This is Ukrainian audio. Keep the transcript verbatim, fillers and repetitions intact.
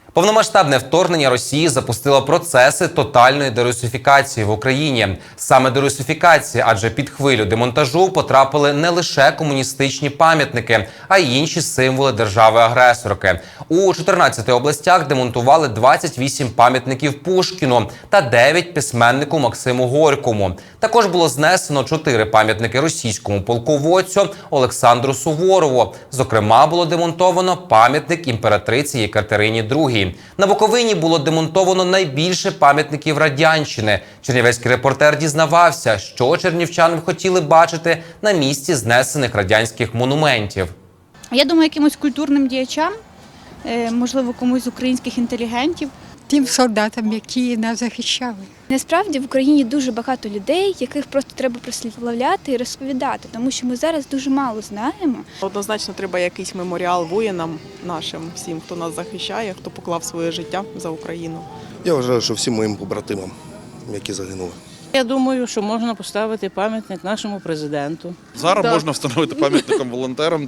Повномасштабне вторгнення Росії запустило процеси тотальної дерусифікації в Україні. Саме дерусифікації, адже під хвилю демонтажу потрапили не лише комуністичні пам'ятники, а й інші символи держави-агресорки. У чотирнадцяти областях демонтували двадцять вісім пам'ятників Пушкіну та дев'ять письменнику Максиму Горькому. Також було знесено чотири пам'ятники російському полководцю Олександру Суворову. Зокрема, було демонтовано пам'ятник імператриці Єкатерині другій. На Буковині було демонтовано найбільше пам'ятників радянщини. Чернівецький репортер дізнавався, що чернівчани б хотіли бачити на місці знесених радянських монументів. Я думаю, якимось культурним діячам, можливо, комусь з українських інтелігентів. Тим солдатам, які нас захищали. Насправді в Україні дуже багато людей, яких просто треба прославляти і розповідати, тому що ми зараз дуже мало знаємо. Однозначно треба якийсь меморіал воїнам нашим, всім, хто нас захищає, хто поклав своє життя за Україну. Я вважаю, що всім моїм побратимам, які загинули. Я думаю, що можна поставити пам'ятник нашому президенту. Зараз Так. можна встановити пам'ятником волонтерам.